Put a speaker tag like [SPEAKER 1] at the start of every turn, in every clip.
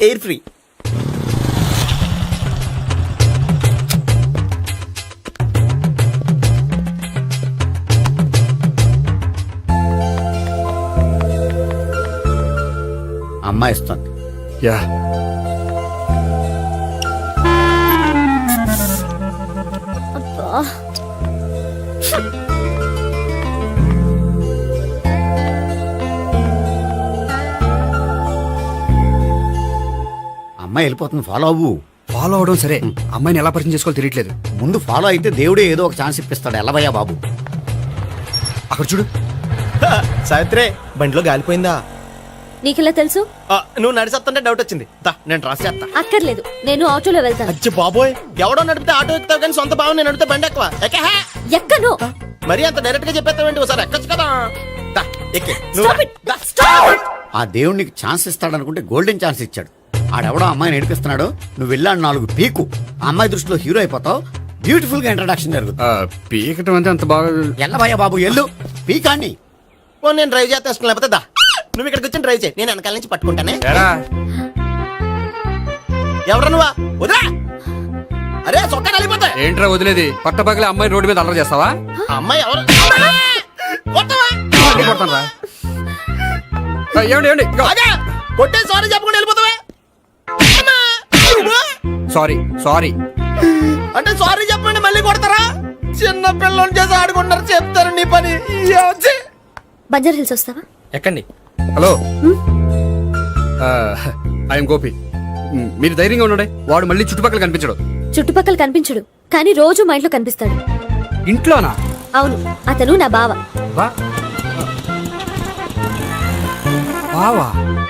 [SPEAKER 1] Air free. అమ్మాయి ఇస్తుంది.
[SPEAKER 2] Yeah
[SPEAKER 1] అమ్మాయి వెళ్ళిపోతుంది, ఫాలో అవ్వు.
[SPEAKER 2] ఫాలో అవడం సరే, అమ్మాయిని ఎలా పరిచయం చేసుకోవాలో తెలియట్లేదు.
[SPEAKER 1] ముందు ఫాలో అయితే దేవుడే ఏదో ఒక ఛాన్స్ ఇప్పిస్తాడు. ఎల్లవయ్యా బాబు.
[SPEAKER 2] అక్కడ చూడు.
[SPEAKER 3] సావిత్రి బండిలో గాలిపోయిందా?
[SPEAKER 4] నీకెలా తెలుసు?
[SPEAKER 3] నువ్వు నడిచేస్తుంటే డౌట్ వచ్చింది. నేను ట్రాస్ చేస్తా.
[SPEAKER 4] అక్కర్లేదు, నేను ఆటోలో వెళ్తాను.
[SPEAKER 3] అచ్చి బాబోయ్, ఎవడో నడిపితే ఆటో ఎక్కుతావు కానీ సొంత భావం నేను నడిపితే బండి ఎక్కువ.
[SPEAKER 4] ఎక్కను.
[SPEAKER 3] మరి అంత డైరెక్ట్ గా చెప్పేస్తావేంటి? ఒకసారి ఎక్కొచ్చు కదా. ఎక్కే.
[SPEAKER 4] Stop it. Stop it.
[SPEAKER 1] ఆ దేవుడు నీకు ఛాన్స్ ఇస్తాడు అనుకుంటే గోల్డెన్ ఛాన్స్ ఇచ్చాడు. ఆడెవడో అమ్మాయిని ఏడిపిస్తున్నాడు, నువ్వు వెళ్ళాడు 4 పీకు. ఆ అమ్మాయి దృష్టిలో హీరో అయిపోతావు. బ్యూటిఫుల్ గా ఇంట్రడక్షన్ జరుగుతుంది.
[SPEAKER 2] పీకటం అంటే అంత బాగా.
[SPEAKER 1] ఎల్లవయ్యా బాబు ఎల్లు పీకాన్ని.
[SPEAKER 3] నేను డ్రైవ్ చేస్తాను, లేకపోతే దా నువ్వు ఇక్కడికి వచ్చి డ్రైవ్ చేయి, నేను వెనకాల నుంచి పట్టుకుంటానే. ఎవరు నువ్వా? వదిలా. అరే చొక్కా కలిపోతా.
[SPEAKER 2] ఏంట్రా వదిలేది? పట్టపగలే అమ్మాయి రోడ్డు మీద అల్లరి చేస్తావా?
[SPEAKER 3] అమ్మాయి ఎవరు?
[SPEAKER 2] ఏమండి
[SPEAKER 3] కొట్టే సారీ చెప్పకుండా వెళ్ళిపోతావా?
[SPEAKER 2] సారీ సారీ
[SPEAKER 3] అంటే సారీ చెప్పండి మళ్ళీ కొడతారా? చిన్న పిల్లలు చేసి ఆడుకుంటారు, చెప్తారు నీ పని.
[SPEAKER 4] బంజారా హిల్స్ వస్తావా?
[SPEAKER 3] ఎక్కండి.
[SPEAKER 2] Hello, I'm Gopi. మీరు ధైర్యంగా ఉండండి. వాడు మళ్ళీ చుట్టుపక్కల కనిపించడు.
[SPEAKER 4] చుట్టుపక్కల కనిపించడు, కానీ రోజు మా ఇంట్లో కనిపిస్తాడు.
[SPEAKER 2] ఇంట్లోనా?
[SPEAKER 4] అవును, అతను నా బావ.
[SPEAKER 2] బావా?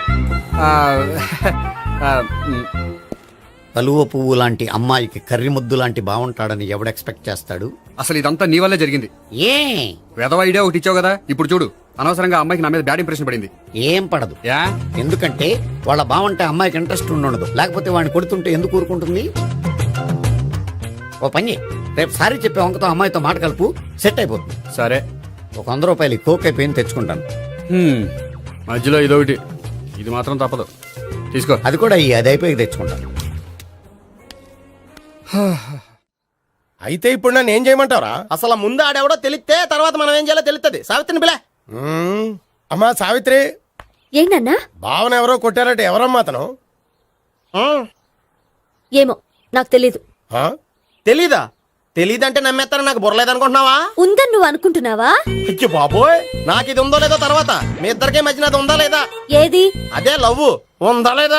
[SPEAKER 1] కలువ పువ్వు లాంటి అమ్మాయికి కర్రి ముద్దు లాంటి బాగుంటాడని ఎవడు ఎక్స్పెక్ట్ చేస్తాడు?
[SPEAKER 2] అసలు ఇదంతా నీ వల్లే జరిగింది.
[SPEAKER 1] ఏ
[SPEAKER 2] వెధవ ఐడియా ఒకటి ఇచ్చావు కదా, ఇప్పుడు చూడు. అనవసరంగా అమ్మాయికి నా మీద బ్యాడ్ ఇంప్రెషన్ పడింది.
[SPEAKER 1] ఏం పడదు.
[SPEAKER 2] యా?
[SPEAKER 1] ఎందుకంటే వాళ్ళ బాగుంటే అమ్మాయికి ఇంట్రెస్ట్ ఉండదు. లేకపోతే వాడిని కొడుతుంటే ఎందుకు ఊరుకుంటుంది? ఓ పని, రేపు సారీ చెప్పే వంకతో అమ్మాయితో మాట కలుపు, సెట్ అయిపోతుంది.
[SPEAKER 2] సరే,
[SPEAKER 1] ఒక 100 రూపాయలు కోక్ అయిపోయింది, తెచ్చుకుంటాను.
[SPEAKER 2] మధ్యలో ఇదొకటి, ఇది మాత్రం తప్పదు. తీసుకో.
[SPEAKER 1] అది కూడా అది అయిపోయి తెచ్చుకుంటాను.
[SPEAKER 3] అయితే ఇప్పుడు నన్ను ఏం చేయమంటారా? అసలు ముందు ఆడెవడో తెలిస్తే తర్వాత మనం ఏం చేయాలో తెలుస్తుంది. సావిత్రిని పిల్ల. అమ్మా సావిత్రి.
[SPEAKER 4] ఏంటన్నా?
[SPEAKER 3] భావన ఎవరో కొట్టారట. ఎవరమ్మా అతను?
[SPEAKER 4] ఏమో నాకు తెలీదు.
[SPEAKER 3] తెలీదా? తెలీదంటే నమ్మేస్తారని నాకు బుర్రలేదనుకుంటున్నావా?
[SPEAKER 4] ఉందని నువ్వు అనుకుంటున్నావా?
[SPEAKER 3] అయ్యో బాబోయ్, నాకు ఇది ఉందో లేదో తర్వాత. మీ ఇద్దరికే మధ్యన అది ఉందా లేదా?
[SPEAKER 4] ఏది?
[SPEAKER 3] అదే లవ్ ఉందా లేదా?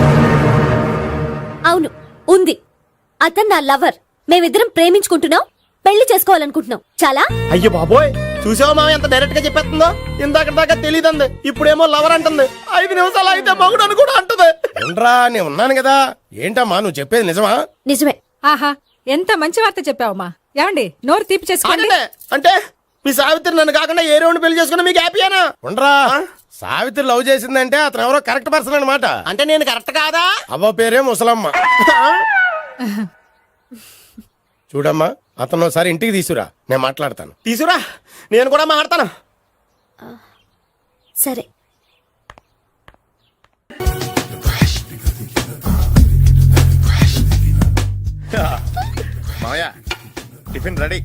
[SPEAKER 4] అవును, ఉంది. అతను నా లవర్. మేమిద్దరం ప్రేమించుకుంటున్నాం, పెళ్లి చేసుకోవాలనుకుంటున్నాం. చాలా.
[SPEAKER 3] అయ్యో బాబోయ్, చూసావా మామ ఎంత డైరెక్ట్ గా చెప్పేస్తుందో? ఇందాక దాకా తెలియదండి, ఇప్పుడేమో లవర్ అంటుంది. 5 నిమిషాలు అయితే మగుడు అని కూడా అంటుంది. నేను ఉన్నాను కదా. ఏంటమ్మా నువ్వు చెప్పేది నిజమా?
[SPEAKER 4] నిజమే.
[SPEAKER 5] ఆహా, ఎంత మంచి వార్త చెప్పావమ్మా. ఏమండి, నోరు తీపి చేసుకోండి.
[SPEAKER 3] అంటే మీ సావిత్రి నన్ను కాకుండా ఏ రౌండ్ పెళ్లి చేసుకున్నా మీకు హ్యాపీయేనా? ఉండరా, సావిత్రి లవ్ చేసిందంటే అతను ఎవరో కరెక్ట్ పర్సన్ అనమాట. అంటే నేను కరెక్ట్ కాదా? అవ్వ పేరే ముసలమ్మ. చూడమ్మా, అతను ఒకసారి ఇంటికి తీసుకురా, నేను మాట్లాడతాను. తీసుకురా, నేను కూడా మాట్లాడతాను.
[SPEAKER 4] సరే.
[SPEAKER 6] మావయ్య టిఫిన్ రెడీ.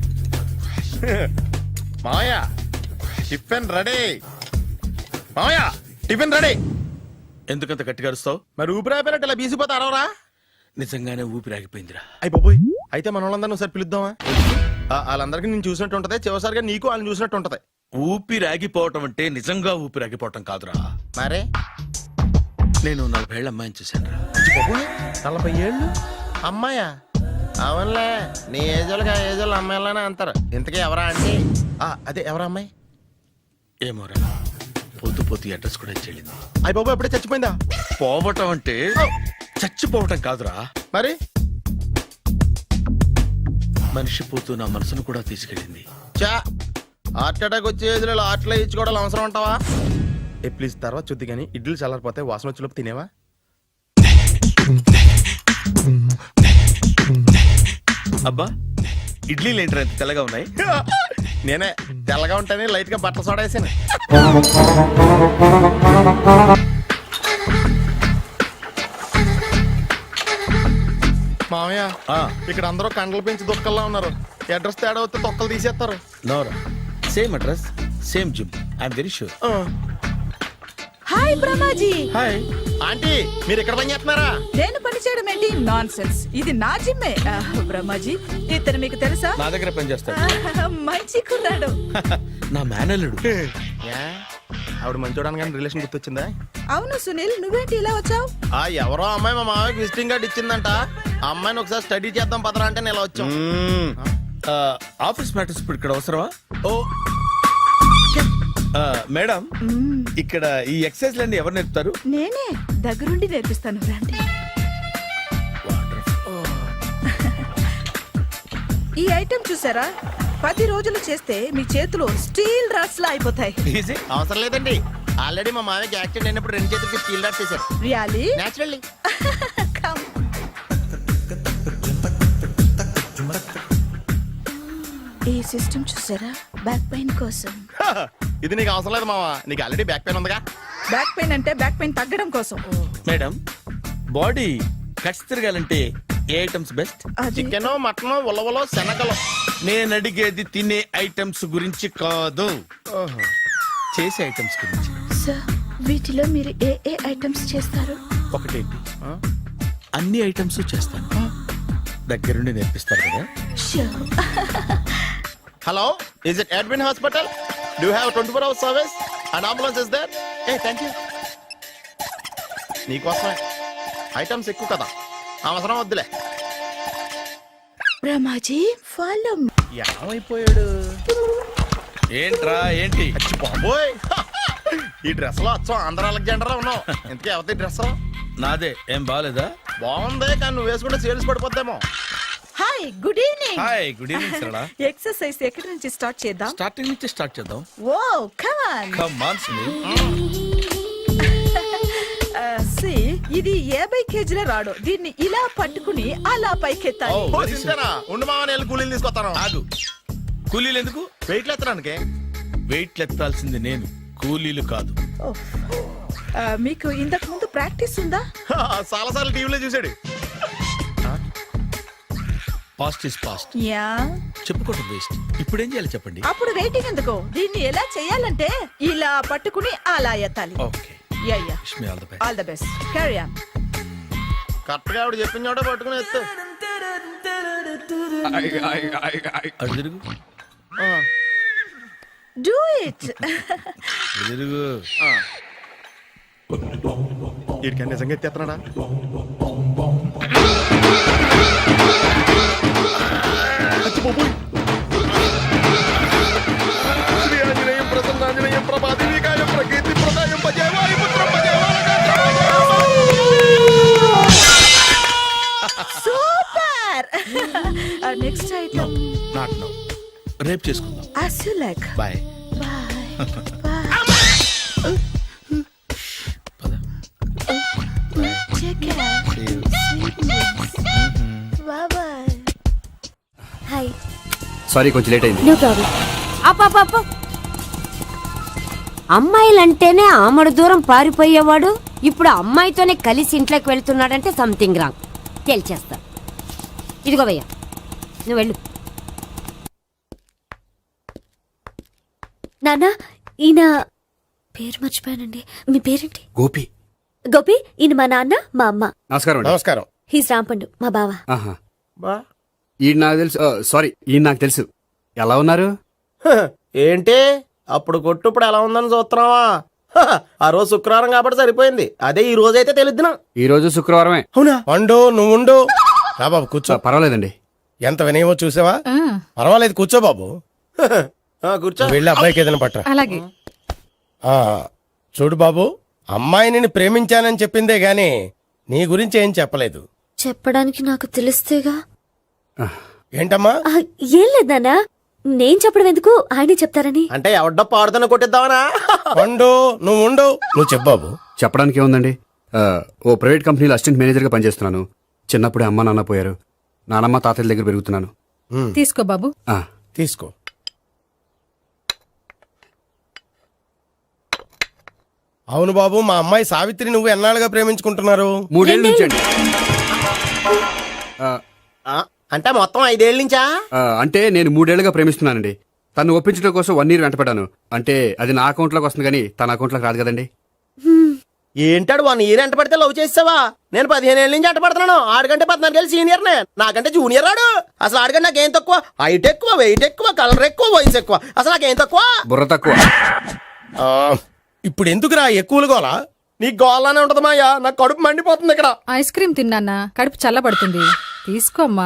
[SPEAKER 6] మావయ్య టిఫిన్ రెడీ. మావయ్య టిఫిన్ రెడీ. ఎందుకంత గట్టిగా అరుస్తావు?
[SPEAKER 3] మరి ఊపిరి అయిపోయినట్టు ఇలా బీసిపోతే అరవరా?
[SPEAKER 6] నిజంగానే ఊపిరాగిపోయిందిరా.
[SPEAKER 3] అయ్యి బాబోయ్, అయితే మన వాళ్ళందరినీ ఒకసారి పిలుద్దామా? వాళ్ళందరికీ నేను చూసినట్టు ఉంటది, చివరిసారిగా నీకు వాళ్ళని చూసినట్టు ఉంటది.
[SPEAKER 6] ఊపిరాగిపోవటం అంటే నిజంగా ఊపిరాగిపోవటం కాదురా.
[SPEAKER 3] మరే
[SPEAKER 6] నేను 40 ఏళ్ళ అమ్మాయిని చూశాను రా.
[SPEAKER 3] 40 ఏళ్ళు అమ్మాయా? అవునులే, నీ ఏజోళ్ళకి ఆ ఏజోళ్ళు అమ్మాయిలానే అంటారు. ఇంతకీ ఎవరా అంటే? అదే ఎవరా అమ్మాయి?
[SPEAKER 6] ఏమోరా, పొద్దు అడ్రస్ కూడా చెల్లింది.
[SPEAKER 3] అయ్యి బాబు ఎప్పుడే చచ్చిపోయిందా?
[SPEAKER 6] పోవటం అంటే చచ్చిపోవటం కాదురా,
[SPEAKER 3] మరి
[SPEAKER 6] మనిషి పోతూ నా మనసును కూడా తీసుకెళ్ళింది.
[SPEAKER 3] చా, హార్ట్ అటాక్ వచ్చే ఏజ్లో హార్ట్లో ఇచ్చుకోవడం అవసరం అంటావా? ప్లీజ్ తర్వాత చూద్ది కానీ ఇడ్లీలు చల్లారిపోతే వాసన వచ్చేలోపు తినేవా?
[SPEAKER 6] అబ్బా, ఇడ్లీలు ఏంటి ఎంత తెల్లగా ఉన్నాయి?
[SPEAKER 3] నేనే తెల్లగా ఉంటానే లైట్ గా బట్టలు సోడా వేసాను. మామయ్య ఇక్కడ అందరూ కండలు పెంచి దుక్కల్లా ఉన్నారు. అడ్రస్ తేడా వస్తే తొక్కలు తీసేస్తారు.
[SPEAKER 6] నోరా same address same gym I'm very sure.
[SPEAKER 5] Hi Brahmaji.
[SPEAKER 3] Hi aunty, మీరు ఇక్కడ పని చేస్తున్నారా?
[SPEAKER 5] నేను పని చేయడం ఏంటి? Nonsense. ఇది నా జిమ్మే. బ్రహ్మాజీ ఇతను మీకు తెలుసా?
[SPEAKER 6] నా దగ్గర పని చేస్తాడు.
[SPEAKER 5] మంచి కుర్రాడు.
[SPEAKER 6] నా మేనల్లుడు.
[SPEAKER 3] ఏ? ఆవిడ మంచి చూడడానికి రిలేషన్ గుర్తొచ్చిందా?
[SPEAKER 5] అవును సునీల్, నువ్వేంటి ఇలా వచ్చావు?
[SPEAKER 3] ఎవరో అమ్మాయి మా మామయ్యకి విజిటింగ్ కార్డు ఇచ్చిందంట. ఆ అమ్మాయిని ఒకసారి స్టడీ చేద్దాం పదరా అంటే నేను ఇలా వచ్చాం.
[SPEAKER 6] ఆఫీస్ మ్యాటర్స్ ఇప్పుడు ఇక్కడ అవసరమా? ఓ మేడం, ఇక్కడ ఈ ఎక్సర్సైజ్ లన్నీ ఎవరు నేర్పుతారు?
[SPEAKER 5] నేనే దగ్గరుండి నేర్పిస్తాను, రండి. ఈ ఐటెం చూసారా? 10 రోజులు చేస్తే మీ చేతులు స్టీల్ రాట్స్ లా అయిపోతాయి.
[SPEAKER 6] ఈజీ.
[SPEAKER 3] అవసరం లేదండి, ఆల్రెడీ మా మామయ్యకి యాక్సిడెంట్ అయినప్పుడు 2 చేతులకి స్టీల్ డాట్ చేశారు.
[SPEAKER 5] రియాలీ?
[SPEAKER 3] నేచురల్లీ.
[SPEAKER 5] ఈ సిస్టమ్ చూసారా? బ్యాక్ పెయిన్ కోసం.
[SPEAKER 3] ఇది నీకు అవసరం లేదు మావా, నీకు ఆల్రెడీ బ్యాక్ పెయిన్ ఉందిగా.
[SPEAKER 5] బ్యాక్ పెయిన్ అంటే బ్యాక్ పెయిన్ తగ్గడం కోసం.
[SPEAKER 6] మేడం, బాడీ కట్స్ తిరగాలంటే ఏ ఐటమ్స్ బెస్ట్?
[SPEAKER 5] అది
[SPEAKER 3] చికెన్, మటన్, ఉలవలో, శనగలు.
[SPEAKER 6] నేను అడిగేది తినే ఐటమ్స్ గురించి కాదు, చేసే ఐటమ్స్ గురించి.
[SPEAKER 5] సార్, వీటిలో మీరు ఏ ఏ ఐటమ్స్ చేస్తారు?
[SPEAKER 6] ఒకటేంటి, అన్ని ఐటమ్స్ చేస్తాను. దగ్గరుండి నేర్పిస్తారు కదా.
[SPEAKER 5] Sure.
[SPEAKER 3] Hello, is it admin hospital? Do have 24 hours service and ambulance is there? ఏ థ్యాంక్ యూ. నీకోసమే ఐటమ్స్ ఎక్కువ కదా, అవసరం వద్దులే.
[SPEAKER 5] బ్రహ్మాజీ ఫాలో.
[SPEAKER 3] ఏమైపోయాడు?
[SPEAKER 6] ఏంట్రా ఏంటి?
[SPEAKER 3] అచ్చి బాబోయ్, ఈ డ్రెస్ లో అచ్చం ఆంధ్ర అలెగ్జాండర్ ఉన్నావు. ఇంతకీ ఎవరి డ్రెస్?
[SPEAKER 6] నాదే. ఏం బాగాలేదా?
[SPEAKER 3] బాగుంది, కానీ నువ్వు వేసుకుంటే సేల్స్ పడిపోద్దేమో.
[SPEAKER 5] Hi, good evening.
[SPEAKER 6] Hi, good evening Sarala.
[SPEAKER 5] Exercise ఎక్కడి నుంచి స్టార్ట్ చేద్దాం?
[SPEAKER 6] స్టార్టింగ్ నుంచి స్టార్ట్ చేద్దాం.
[SPEAKER 5] Oh come on.
[SPEAKER 6] Come on Sunil.
[SPEAKER 5] సి, ఇది 50 కేజీల రాడు. దీన్ని ఇలా పట్టుకుని అలా పైకెత్తాలి.
[SPEAKER 6] Oh.
[SPEAKER 3] ఓ, సింతేనా? ఉండు మామ, నేను కూలీలు తీసుకొస్తాను.
[SPEAKER 6] ఆగు. కూలీలు ఎందుకు?
[SPEAKER 3] వెయిట్ ఎత్తడానికి.
[SPEAKER 6] వెయిట్ ఎత్తాల్సింది నేను, కూలీలు కాదు.
[SPEAKER 5] మీకు ఇంతకు ముందు ప్రాక్టీస్ ఉందా?
[SPEAKER 3] చాలా సార్లు టీవీలో చూసాడు.
[SPEAKER 6] Past is past.
[SPEAKER 5] యా.
[SPEAKER 6] చెప్పుకోవడం వేస్ట్. ఇప్పుడు ఏం చేయాలి చెప్పండి.
[SPEAKER 5] అప్పుడు వెయిటింగ్ ఎందుకు? దీన్ని ఎలా చేయాలంటే ఇలా పట్టుకుని అలా ఎత్తాలి.
[SPEAKER 6] Okay,
[SPEAKER 5] yeah yeah.
[SPEAKER 6] Wish me all the best.
[SPEAKER 5] All the best. Carry on.
[SPEAKER 3] Correct గా ఆవిడ చెప్పిన చోట పట్టుకుని ఎత్తు.
[SPEAKER 6] అటు తిరుగు,
[SPEAKER 5] డూ ఇట్.
[SPEAKER 6] అటు తిరుగు.
[SPEAKER 3] వీడికి నిజంగా ఎత్తేస్తున్నాడా? శ్రీ ఆంజనేయం ప్రసన్నాంజనేయం ప్రభాదివికాయం ప్రకీర్తి ప్రదాయం భజే వాయుపుత్రం భజే
[SPEAKER 5] super. Next item.
[SPEAKER 6] Not now, రేపు చేసుకుందాం.
[SPEAKER 5] as you like.
[SPEAKER 6] Bye.
[SPEAKER 5] Bye. Bye.
[SPEAKER 6] పద.
[SPEAKER 5] Take care. Sweet dreams. Bye bye.
[SPEAKER 4] Hi.
[SPEAKER 2] Sorry, కొంచెం లేట్ అయింది.
[SPEAKER 4] No problem. అప్ప అమ్మాయిలంటేనే ఆమడు దూరం పారిపోయేవాడు ఇప్పుడు అమ్మాయితోనే కలిసి ఇంట్లోకి వెళ్తున్నాడంటే సంథింగ్ రాంగ్. తేల్చేస్తా. ఇదిగో భయ్యా, నువ్వు వెళ్ళు. నాన్న, ఈయన పేరు మర్చిపోయానండి. మీ పేరేంటి?
[SPEAKER 2] గోపి.
[SPEAKER 4] గోపి, ఈయన మా నాన్న, మా అమ్మ.
[SPEAKER 2] నమస్కారం అండి.
[SPEAKER 3] నమస్కారం.
[SPEAKER 4] హీస్ రాంపండు, మా బావ.
[SPEAKER 2] ఆహా.
[SPEAKER 3] బా
[SPEAKER 2] ఈయన నాకు తెలుసు. సారీ, ఈయన నాకు తెలుసు. ఎలా ఉన్నారు?
[SPEAKER 3] ఏంటి అప్పుడు కొట్టు ఇప్పుడు ఎలా ఉందని చూస్తున్నావా? ఆ రోజు శుక్రవారం కాబట్టి సరిపోయింది. అదే ఈ రోజు అయితే తెలుద్దునా.
[SPEAKER 2] ఈ రోజు శుక్రవారమే.
[SPEAKER 3] అవునా? వండు, నువ్వు ఉండు. రా బాబు కూర్చో.
[SPEAKER 2] పర్వాలేదండి.
[SPEAKER 3] ఎంత వినయమో చూసావా? పర్వాలేదు, కూర్చో బాబు. కూర్చో. వెళ్ళి అబ్బాయికి ఏదైనా పట్టరా.
[SPEAKER 5] అలాగే.
[SPEAKER 3] చూడు బాబు, అమ్మాయిని నేను ప్రేమించానని చెప్పిందే గాని నీ గురించి ఏం చెప్పలేదు.
[SPEAKER 4] చెప్పడానికి నాకు తెలిస్తేగా.
[SPEAKER 3] ఏంటమ్మా?
[SPEAKER 4] ఏం లేదు నాన్న, నేను చెప్పడం ఎందుకు, ఆయనే చెప్తారని.
[SPEAKER 3] అంటే ఎవడ్డో పాడుతున్న కొట్టిద్దామనా? వండు, నువ్వు ఉండు. నువ్వు చెప్పు బాబు.
[SPEAKER 2] చెప్పడానికి ఏముందండి, ఓ ప్రైవేట్ కంపెనీలో అసిస్టెంట్ మేనేజర్గా పనిచేస్తున్నాను. చిన్నప్పుడే అమ్మ నాన్న పోయారు. నానమ్మ తాతయ్య దగ్గర పెరుగుతున్నాను.
[SPEAKER 5] తీసుకో బాబు.
[SPEAKER 3] తీసుకో. అవును బాబు, మా అమ్మాయి సావిత్రి నువ్వు ఎన్నాళ్ళుగా ప్రేమించుకుంటున్నారు?
[SPEAKER 2] 3 ఏళ్ళ నుంచి అండి.
[SPEAKER 3] అంటే మొత్తం 5 ఏళ్ళ నుంచా?
[SPEAKER 2] అంటే నేను 3 ఏళ్లుగా ప్రేమిస్తున్నానండి. తను ఒప్పించడం కోసం 1 year వెంటపడ్డాను. అంటే అది నా అకౌంట్లోకి వస్తుంది కానీ తన అకౌంట్లోకి రాదు కదండి.
[SPEAKER 3] ఏంటాడు 1 year ఎంట పడితే లవ్ చేసావా? నేను 15 ఏళ్ళ నుంచి ఎంట పడుతున్నాను. ఆడికంటే 14 ఏళ్ళు సీనియర్నే, నాకంటే జూనియర్ ఆడు. అసలు ఆడికంటే నాకేం తక్కువ? హైట్ ఎక్కువ, వెయిట్ ఎక్కువ, కలర్ ఎక్కువ, వయసు ఎక్కువ. అసలు నాకేం తక్కువ?
[SPEAKER 2] బుర్ర తక్కువ.
[SPEAKER 3] ఇప్పుడు ఎందుకురా ఎక్కువలు గోలా? నీకు గోలానే ఉంటది మాయా, నాకు కడుపు మండిపోతుంది ఇక్కడ.
[SPEAKER 7] ఐస్ క్రీమ్ తిన్నానా, కడుపు చల్లబడుతుంది. తీసుకోమ్మా,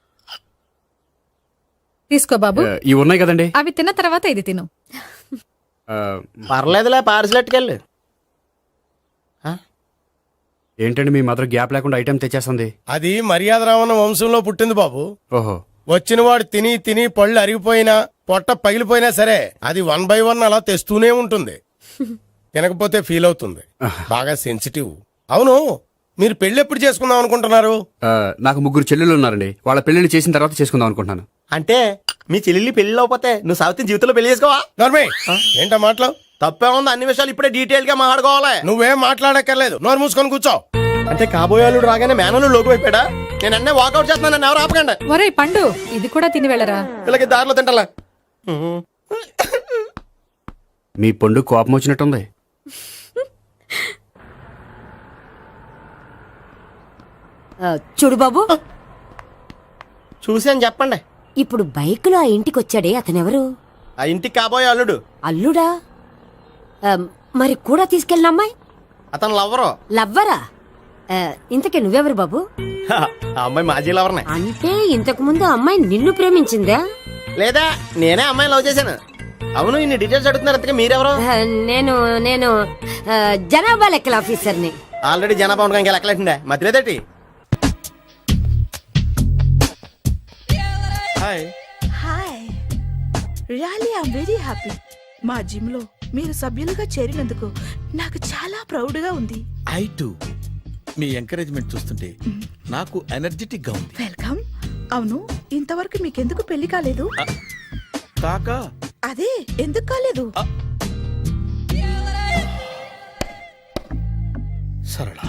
[SPEAKER 7] తీసుకో బాబు.
[SPEAKER 2] ఇవి ఉన్నాయి కదండి.
[SPEAKER 7] అవి తిన్న తర్వాత ఇది తిను.
[SPEAKER 3] పర్లేదులే, పార్సిలెట్కెళ్ళి.
[SPEAKER 2] ఏంటండి మీ మదర్ గ్యాప్ లేకుండా ఐటెం తెచ్చేస్తుంది?
[SPEAKER 3] అది మర్యాద రావణ వంశంలో పుట్టింది బాబు.
[SPEAKER 2] ఓహో.
[SPEAKER 3] వచ్చిన వాడు తిని తిని పళ్ళు అరిగిపోయినా, పొట్ట పగిలిపోయినా సరే అది 1 by 1 అలా తెస్తూనే ఉంటుంది. తినకపోతే ఫీల్ అవుతుంది. బాగా సెన్సిటివ్. అవును, మీరు పెళ్లి ఎప్పుడు చేసుకుందాం అనుకుంటున్నారు?
[SPEAKER 2] నాకు 3 చెల్లెళ్ళు ఉన్నారండి. వాళ్ళ పెళ్లిళ్ళు చేసిన తర్వాత చేసుకుందాం అనుకుంటున్నాను.
[SPEAKER 3] అంటే మీ చెల్లెల్ని పెళ్లి లేకపోతే నువ్వు సావిత్రి జీవితంలో పెళ్లి చేసుకోవా? ఏంటా మాటలు? తప్పే ఉంది, అన్ని విషయాలు ఇప్పుడే డీటెయిల్ గా మాట్లాడుకోవాలి. నువ్వేం మాట్లాడక్కర్లేదు, నోరు మూసుకొని కూర్చో. అంటే కాబోయేవాళ్ళు రాగానే మేనలు లోకి అయిపోయాడా? నేను అన్నీ వాకౌట్ చేస్తున్నాను, నన్ను ఎవరు ఆపకండి.
[SPEAKER 7] ఒరే పండు, ఇది కూడా తిని వెళ్ళరా.
[SPEAKER 3] వీళ్ళకి దారిలో తింటలా.
[SPEAKER 2] మీ పండు కోపం వచ్చినట్టుంది.
[SPEAKER 4] చూడు బాబు,
[SPEAKER 3] చూసాను చెప్పండి.
[SPEAKER 4] ఇప్పుడు బైక్ లో ఆ ఇంటికి వచ్చాడే అతనెవరు?
[SPEAKER 3] ఆ ఇంటికి కాబోయే అల్లుడు.
[SPEAKER 4] అల్లుడా? మరి కూడా తీసుకెళ్ళిన అమ్మాయి?
[SPEAKER 3] అతను లవ్వరు.
[SPEAKER 4] లవ్వరా? ఇంతకీ నువ్వెవరు బాబు?
[SPEAKER 3] ఆ అమ్మాయి మాజీ లవర్నే.
[SPEAKER 4] అంటే ఇంతకు ముందు అమ్మాయి నిన్ను ప్రేమించిందా?
[SPEAKER 3] లేదా నేనే అమ్మాయి లవ్ చేశాను. అవును, ఇన్ని డీటెయిల్స్ అడుగుతున్నారు, అంతగా మీరెవరు?
[SPEAKER 4] నేను నేను జనాభా లెక్కల ఆఫీసర్ని.
[SPEAKER 3] ఆల్రెడీ జనాభా ఉండగా ఇంకా లెక్కలేటండే మధ్యలేదేటి. Hi.
[SPEAKER 5] Hi, really I'm very happy. మా జిమ్ లో మీరు సభ్యులుగా చేరినందుకు నాకు చాలా ప్రౌడ్ గా ఉంది.
[SPEAKER 6] ఐ టు మీ ఎంకరేజ్మెంట్ చూస్తుంటే నాకు ఎనర్జెటిక్ గా ఉంది.
[SPEAKER 5] వెల్కమ్. అవును, ఇంతవరకు మీకెందుకు పెళ్లి కాలేదు?
[SPEAKER 6] కాకా
[SPEAKER 5] అదే ఎందుకు కాలేదు?
[SPEAKER 6] సరళ,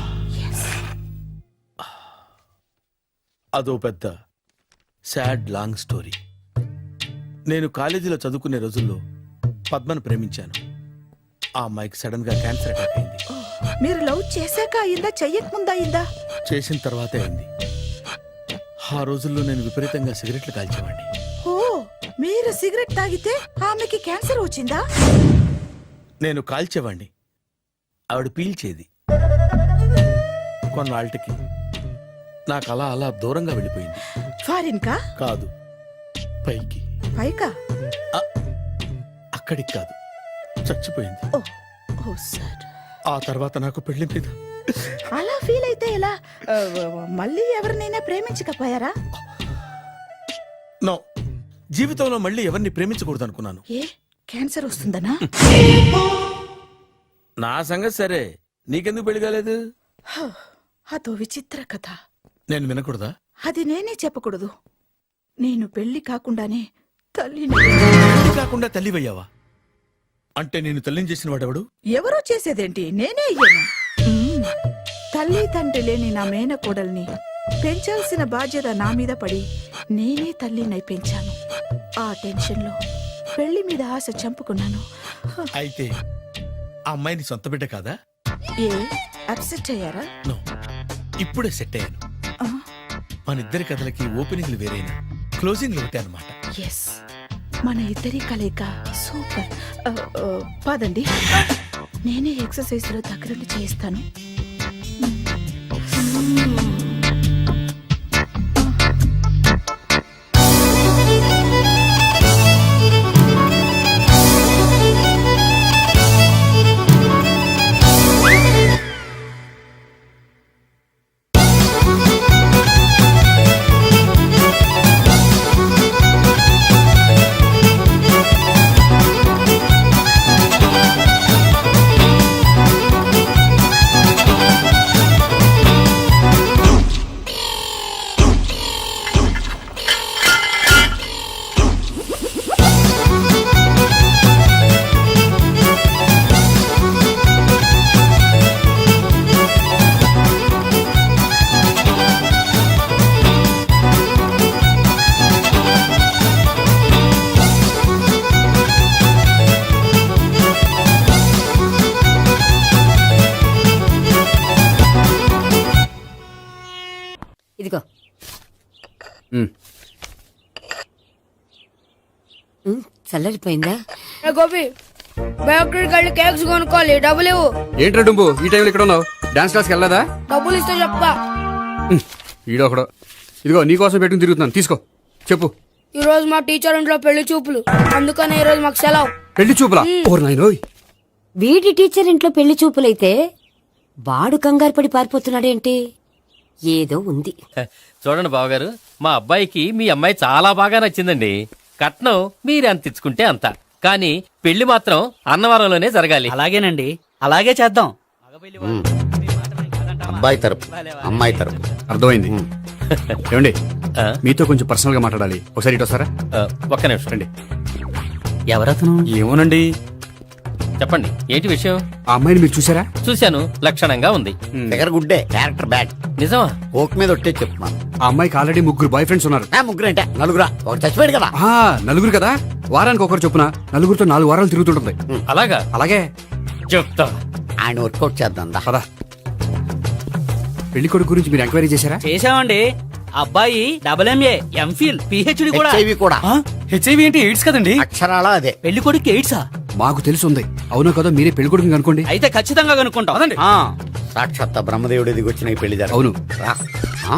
[SPEAKER 6] అదో పెద్ద సాడ్ లాంగ్ స్టోరీ. నేను కాలేజీలో చదువుకునే రోజుల్లో పద్మను ప్రేమించాను. ఆ అమ్మాయికి సడన్ గా క్యాన్సర్ అటాక్ అయింది.
[SPEAKER 5] మీరు లవ్ చేశాక అయిందా, చెయ్యక ముందా అయిందా?
[SPEAKER 6] చేసిన తర్వాతే అయింది. ఆ రోజుల్లో నేను విపరీతంగా సిగరెట్లు కాల్చేవాడిని.
[SPEAKER 5] ఓ, మీరు సిగరెట్ తాగితే ఆమెకి క్యాన్సర్ వచ్చిందా?
[SPEAKER 6] నేను కాల్చేవాణ్ణి, ఆవిడ పీల్చేది. కొన్నాళ్ళకి నాకు అలా అలా దూరంగా వెళ్ళిపోయింది.
[SPEAKER 5] ఫారిన్ కా?
[SPEAKER 6] కాదు, పైకి.
[SPEAKER 5] పైకా?
[SPEAKER 6] అక్కడికి కాదు, చచ్చిపోయింది.
[SPEAKER 5] ఓ, ఓ సార్.
[SPEAKER 6] ఆ తర్వాత నాకు పెళ్లి మీద
[SPEAKER 5] అలా ఫీల్ అయితే ఎలా? మళ్ళీ ఎవరినైనా ప్రేమించకపోయారా?
[SPEAKER 6] నో, జీవితంలో మళ్ళీ ఎవరిని ప్రేమించకూడదు అనుకున్నాను.
[SPEAKER 5] ఏ, క్యాన్సర్ వస్తుందనా?
[SPEAKER 6] నా సంగతి సరే, నీకెందుకు పెళ్లి కాలేదు?
[SPEAKER 5] అదో విచిత్ర కథ.
[SPEAKER 6] నేను వినకూడదా?
[SPEAKER 5] అది నేనే చెప్పకూడదు. నేను పెళ్లి కాకుండానే తల్లిని.
[SPEAKER 6] పెళ్లి కాకుండా తల్లివయ్యావా? అంటే నేను తల్లిని చేసిన వాడెవడు?
[SPEAKER 5] ఎవరో చేసేదేంటి, నేనే అయ్యాను. తల్లి తండ్రి లేని నా మేనకోడల్ని పెంచాల్సిన బాధ్యత నా మీద పడి నేనే తల్లినై పెంచాను. ఆ టెన్షన్ లో పెళ్లి మీద ఆశ చంపుకున్నాను.
[SPEAKER 6] అయితే ఆ అమ్మాయిని సొంత బిడ్డ కాదా?
[SPEAKER 5] ఏ, అప్సెట్ అయ్యారా?
[SPEAKER 6] నో, ఇప్పుడే సెట్ అయ్యాను. మన ఇద్దరి కథలకి ఓపెనింగ్లు వేరైనా క్లోజింగ్లు ఒకటే అనమాట.
[SPEAKER 5] ఎస్, మన ఇద్దరి కలయిక సూపర్. పదండి, నేనే ఎక్సర్సైజ్ లో దగ్గరుండి చేయిస్తాను.
[SPEAKER 4] చల్లరిపోయిందా?
[SPEAKER 8] గోపి బయోక్రెడిట్ వెళ్ళి కేక్స్ కొనుక్కోవాలి, డబ్బులు ఇవ్వు.
[SPEAKER 2] ఏంట్రా డుంబు ఈ టైంలో ఇక్కడ ఉన్నావు? డాన్స్ క్లాస్కి వెళ్ళదా?
[SPEAKER 8] డబ్బులు ఇస్తే చెప్తా.
[SPEAKER 2] ఈడో ఒకడో. ఇదిగో నీకోసం పెట్టుకుని తిరుగుతున్నాను, తీసుకో. చెప్పు.
[SPEAKER 8] ఈ రోజు మా టీచర్ ఇంట్లో పెళ్లి చూపులు, అందుకనే ఈ రోజు మాకు సెలవు.
[SPEAKER 2] పెళ్లి చూపులా? ఓర్ నాయనోయ్.
[SPEAKER 4] వీడి టీచర్ ఇంట్లో పెళ్లి చూపులైతే వాడు కంగారు పడి పారిపోతున్నాడేంటి? ఏదో ఉంది.
[SPEAKER 9] చూడండి బావగారు, మా అబ్బాయికి మీ అమ్మాయి చాలా బాగా నచ్చిందండి. కట్నం మీరు ఎంత ఇచ్చుకుంటే అంత, కానీ పెళ్లి మాత్రం అన్నవరంలోనే జరగాలి.
[SPEAKER 10] అలాగేనండి, అలాగే చేద్దాం.
[SPEAKER 1] అబ్బాయి తరపు అమ్మాయి తరపు.
[SPEAKER 2] అర్థమైంది. ఏమండి
[SPEAKER 9] ఆ?
[SPEAKER 2] మీతో కొంచెం పర్సనల్ గా మాట్లాడాలి, ఒకసారి ఇటు వస్తారా?
[SPEAKER 9] ఒక్క నిమిషం
[SPEAKER 2] రండి.
[SPEAKER 10] ఎవరతను?
[SPEAKER 2] ఏమోనండి.
[SPEAKER 9] చెప్పండి, ఏంటి విషయం?
[SPEAKER 2] ఆ అమ్మాయిని మీరు చూసారా?
[SPEAKER 9] చూశాను, లక్షణంగా ఉంది.
[SPEAKER 1] దగ్గర గుడ్డే, క్యారెక్టర్ బ్యాడ్.
[SPEAKER 9] నిజమా?
[SPEAKER 1] ఓక్ మీద ఒట్టే చెప్తున్నాను.
[SPEAKER 2] ఆ అమ్మాయికి ఆల్రెడీ 3 బాయ్ ఫ్రెండ్స్ ఉన్నారు.
[SPEAKER 1] ముగ్గురు అంటే నలుగురా, ఒకటి చచ్చిపోయాడు కదా.
[SPEAKER 2] ఆ, నలుగురు కదా, వారానికి ఒకరు చొప్పున నలుగురితో 4 వారాలు తిరుగుతుంటుంది.
[SPEAKER 9] అలాగా?
[SPEAKER 2] అలాగే.
[SPEAKER 9] చెప్తా.
[SPEAKER 1] ఆయన వర్కౌట్ చేద్దాం దా.
[SPEAKER 2] పదా. పెళ్లి కొడుకు గురించి మీరు ఎంక్వైరీ చేశారా?
[SPEAKER 10] చేసామండి. అబ్బాయి MA, MPhil, PhD కూడా.
[SPEAKER 1] HIV కూడా.
[SPEAKER 10] హెచ్ఐవి అంటే ఎయిడ్స్ కదండి.
[SPEAKER 1] అక్షరాల అదే.
[SPEAKER 10] పెళ్లి కొడుకు ఎయిడ్సా?
[SPEAKER 2] మాకు తెలిసి ఉంది. అవునో కదా, మీరే పెళ్లి కొడుకుని అనుకోండి.
[SPEAKER 10] అయితే ఖచ్చితంగా కనుక్కుంటాం.
[SPEAKER 1] సాక్షాత్ బ్రహ్మదేవుడి దిగి వచ్చిన ఈ పెళ్లి జరగదు.
[SPEAKER 2] అవును.
[SPEAKER 1] రా. ఆ?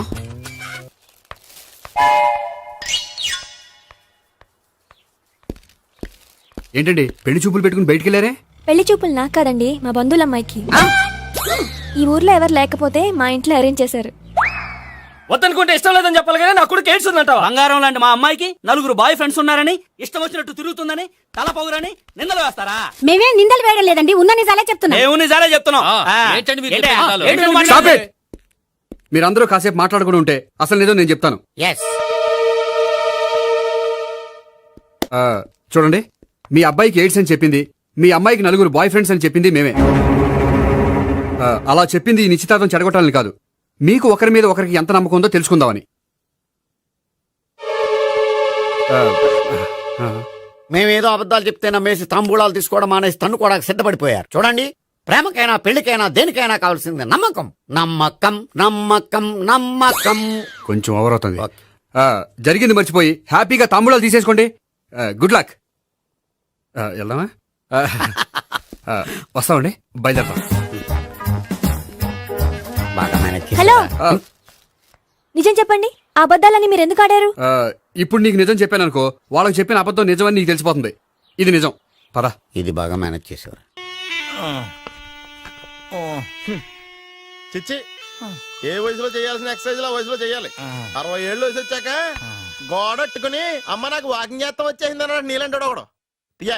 [SPEAKER 2] ఏంటండి పెళ్లి చూపులు పెట్టుకుని బయటికి వెళ్ళారే?
[SPEAKER 11] పెళ్లి చూపులు నాకు కాదండి, మా బంధువుల అమ్మాయికి. ఈ ఊర్లో ఎవరు లేకపోతే మా ఇంట్లో అరేంజ్ చేశారు.
[SPEAKER 9] వద్దనుకుంటే ఇష్టం లేదని చెప్పాలి కానీ నా కూడా కేడ్స్ ఉందంటావా?
[SPEAKER 10] బంగారం లాంటి మా అమ్మాయికి 4 బాయ్ ఫ్రెండ్స్ ఉన్నారని, ఇష్టం వచ్చినట్టు తిరుగుతుందని, తల పొగరని నిందలు వేస్తారా?
[SPEAKER 4] మేమేం నిందలు వేయడం లేదండి, ఉన్న నిజాలే చెప్తున్నా.
[SPEAKER 10] దేవుని నిజాలే చెప్తున్నాం.
[SPEAKER 9] ఏంటండి మీరు
[SPEAKER 10] ఏంటి?
[SPEAKER 9] చెప్పే నిజాలు?
[SPEAKER 10] ఏంటి నువ్వు
[SPEAKER 2] Stop
[SPEAKER 10] మాట్లాడేది?
[SPEAKER 2] it! మీరందరూ కాసేపు మాట్లాడుకుని ఉంటే అసలు నిజం నేను చెప్తాను.
[SPEAKER 1] Yes.
[SPEAKER 2] చూడండి, మీ అబ్బాయికి ఎయిడ్స్ అని చెప్పింది, మీ అమ్మాయికి 4 బాయ్ ఫ్రెండ్స్ అని చెప్పింది మేమే. అలా చెప్పింది ఈ నిశ్చితార్థం చెడగొట్టాలని కాదు, మీకు ఒకరి మీద ఒకరికి ఎంత నమ్మకం ఉందో తెలుసుకుందామని.
[SPEAKER 1] మేమేదో అబద్ధాలు చెప్తే నమ్మేసి తాంబూలాలు తీసుకోవడం మానేసి తన్ను కూడా సిద్ధపడిపోయారు. చూడండి, ప్రేమకైనా పెళ్లికైనా దేనికైనా కావాల్సింది నమ్మకం. నమ్మకం నమ్మకం నమ్మకం.
[SPEAKER 2] కొంచెం ఓవర్ అవుతుంది. జరిగింది మర్చిపోయి హ్యాపీగా తాంబూలాలు తీసేసుకోండి. Good luck. వెళ్దామా? వస్తామండి, బయలుదేరతాం.
[SPEAKER 1] బాగా మేనేజ్ చేశారా?
[SPEAKER 11] హలో, నిజం చెప్పండి, ఆ అబద్ధాలని మీరు ఎందుకు ఆడారు?
[SPEAKER 2] ఇప్పుడు నీకు నిజం చెప్పాను అనుకో, వాళ్ళకి చెప్పిన అబద్ధం నిజమని నీకు తెలిసిపోతుంది. ఇది నిజం. పద.
[SPEAKER 1] ఇది బాగా మేనేజ్ చేసేవారు.
[SPEAKER 3] చిచ్చి, ఏ వయసులో చేయాల్సిన ఎక్సర్సైజ్ ఆ వయసులో చేయాలి. 60 ఏళ్ళు వయసు వచ్చాక గోడట్టుకుని అమ్మ నాకు వాకింగ్ చేస్తాం వచ్చేసింది అన్నాడు నీలంటాడు ఒకడు. పియా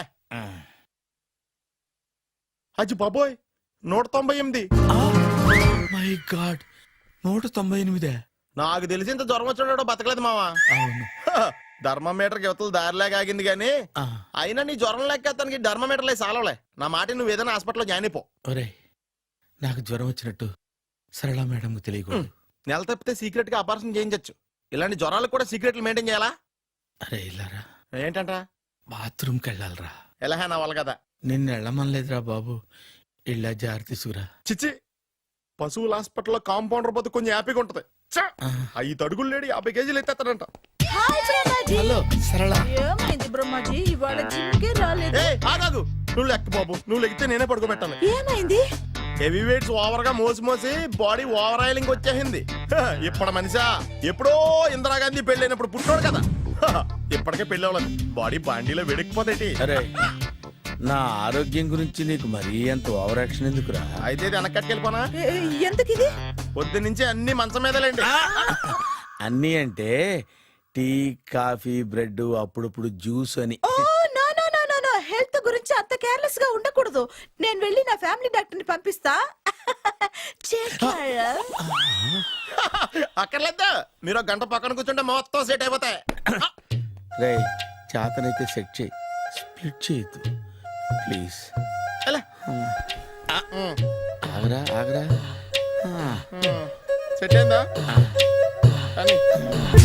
[SPEAKER 3] అచ్చి బాబోయ్, 198.
[SPEAKER 6] My god, 198.
[SPEAKER 3] నాకు తెలిసి ఇంత జ్వరం వచ్చాడో బతకలేదు మావా.
[SPEAKER 6] అవును.
[SPEAKER 3] ధర్మమీటర్ యువతలు దారిలాగా ఆగింది గానీ అయినా నీ జ్వరం లెక్కతానికి ధర్మమీటర్లే సాలవలే. నా మాట నువ్వు ఏదైనా హాస్పిటల్లో జాయిన్ అయిపో.
[SPEAKER 6] ఒరే, నాకు జ్వరం వచ్చినట్టు సరళ మేడం తెలియకూడదు.
[SPEAKER 3] నెల తప్పితే సీక్రెట్ గా ఆపరేషన్ చేయించచ్చు. ఇలాంటి జ్వరాలకు కూడా సీక్రెట్లు మెయింటైన్ చేయాలా?
[SPEAKER 6] అరే ఇల్లారా,
[SPEAKER 3] ఏంటంట?
[SPEAKER 6] బాత్రూమ్కి వెళ్ళాలరా.
[SPEAKER 3] ఎలాహే నా వాళ్ళ కదా.
[SPEAKER 6] నిన్ను వెళ్ళమనలేదురా బాబు, ఇళ్ళ జారి తీసుకురా.
[SPEAKER 3] చిచ్చి, పశువుల హాస్పిటల్లో కాంపౌండర్ పోతే కొంచెం హ్యాపీగా ఉంటది. 5 అడుగులు లేడి 50 కేజీలు ఎత్తేస్తాడంట.
[SPEAKER 5] హాయ్ బ్రహ్మాజీ.
[SPEAKER 6] హలో సరళ.
[SPEAKER 5] ఏమైంది బ్రహ్మాజీ, ఇవాళ జిమ్కే రాలేదు?
[SPEAKER 3] ఏ ఆగాదు, నువ్వు లెక్క బాబు, నువ్వు లెక్కితే నేనే పడుకోబెట్టాలి.
[SPEAKER 5] ఏమైంది?
[SPEAKER 3] హెవీ వెయిట్స్ ఓవర్ గా మోసి బాడీ ఓవర్ ఆయిలింగ్ వచ్చేసింది. ఇప్పుడు మనిషా ఎప్పుడో ఇందిరాగాంధీ పెళ్ళైనప్పుడు పుట్టినోడు కదా. ఇప్పటికే పెళ్ళి అవ్వలేదు, బాడీ బాండీలో వెడికిపోతేటి.
[SPEAKER 6] అరే, నా ఆరోగ్యం గురించి నీకు మరీ అంత ఓవర్ యాక్షన్ ఎందుకురా?
[SPEAKER 3] అయితే ఇది వెనకట్టుకెళ్ళిపోనా?
[SPEAKER 5] ఎందుకు ఇది?
[SPEAKER 3] పొద్దు నుంచి అన్ని మంచం మీదలేండి.
[SPEAKER 6] అన్నీ అంటే టీ, కాఫీ, బ్రెడ్, అప్పుడప్పుడు జ్యూస్ అని.
[SPEAKER 5] Oh no no no no no, health గురించి అంత కేర్లెస్ గా ఉండకూడదు. నేను వెళ్ళి నా ఫ్యామిలీ డాక్టర్ ని పంపిస్తా.
[SPEAKER 3] అక్కర్లేదు, మీరు 1 గంట పక్కన కూర్చుంటే మొత్తం సెట్ అయిపోతాయి.
[SPEAKER 6] రే, చేతనైతే సెట్ చేయి, స్ప్లిట్ చేయొద్దు ప్లీజ్.
[SPEAKER 3] ఎలా?
[SPEAKER 6] ఆగరా ఆగరా.
[SPEAKER 3] సెట్ అయిందా? కానీ